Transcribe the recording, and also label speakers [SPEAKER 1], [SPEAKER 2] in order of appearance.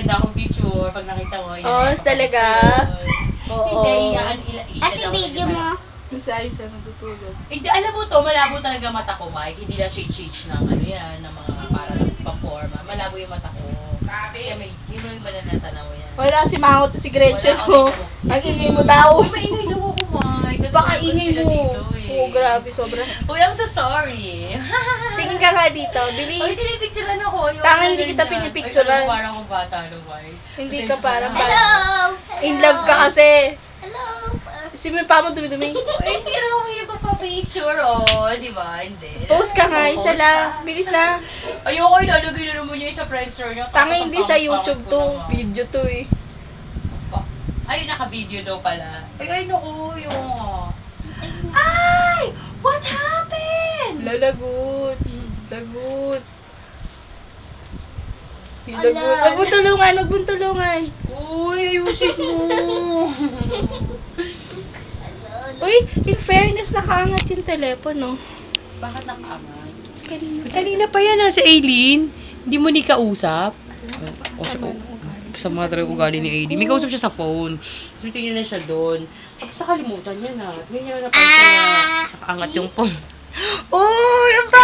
[SPEAKER 1] maganda akong picture pag nakita mo.
[SPEAKER 2] Talaga? Oo.
[SPEAKER 3] At yung video mo?
[SPEAKER 2] Sa isa natutulog.
[SPEAKER 1] Hindi, alam mo to, malabo talaga mata ko, Mike. Hindi na shade-shade ng ano yan, ng mga parang pamporma. Malabo yung mata ko. Kaya may, yun yung mananatanaw yan.
[SPEAKER 2] Wala si Mango to si Gretchen mo. Ang ingay mo tao.
[SPEAKER 1] Uy, maingay daw ako, Mike.
[SPEAKER 2] Baka ingay mo. Oo, grabe, sobra.
[SPEAKER 1] Uy, I'm so sorry.
[SPEAKER 2] Tingin ka nga dito. Bili.
[SPEAKER 1] Uy, pinipicturean ako.
[SPEAKER 2] Tanga, hindi kita pinipicturean.
[SPEAKER 1] Ay, parang akong bata, no, Mike?
[SPEAKER 2] Hindi ka parang
[SPEAKER 3] Hello!
[SPEAKER 2] in love ka kasi.
[SPEAKER 3] Hello!
[SPEAKER 2] Si may pa mo dumi-dumi.
[SPEAKER 1] Ay, hindi rin ako yung papapicture, oh. Di ba? Hindi.
[SPEAKER 2] Post ka nga, isa lang. Bilis na.
[SPEAKER 1] Ayoko, ilalagay na naman niya sa Friendster niya.
[SPEAKER 2] Tanga, hindi sa YouTube to. Video to eh.
[SPEAKER 1] Ay, naka-video daw pala. Ay, naku, yung... Ay! What happened?
[SPEAKER 2] Lalagot. Lagot. Lagot. Wag mo tulungan, wag mo tulungan.
[SPEAKER 1] Uy, ayusin mo.
[SPEAKER 2] Uy, in fairness, nakaangat yung telepono.
[SPEAKER 1] Bakit nakaangat?
[SPEAKER 2] Kanina
[SPEAKER 1] pa yan, si Aileen. Hindi mo ni kausap. Sa mga talagang ugali ni Aileen. May kausap siya sa phone. So, tingnan na siya doon. Tapos nakalimutan niya na. Tingnan niya na napansin na nakaangat yung phone. Uy, ang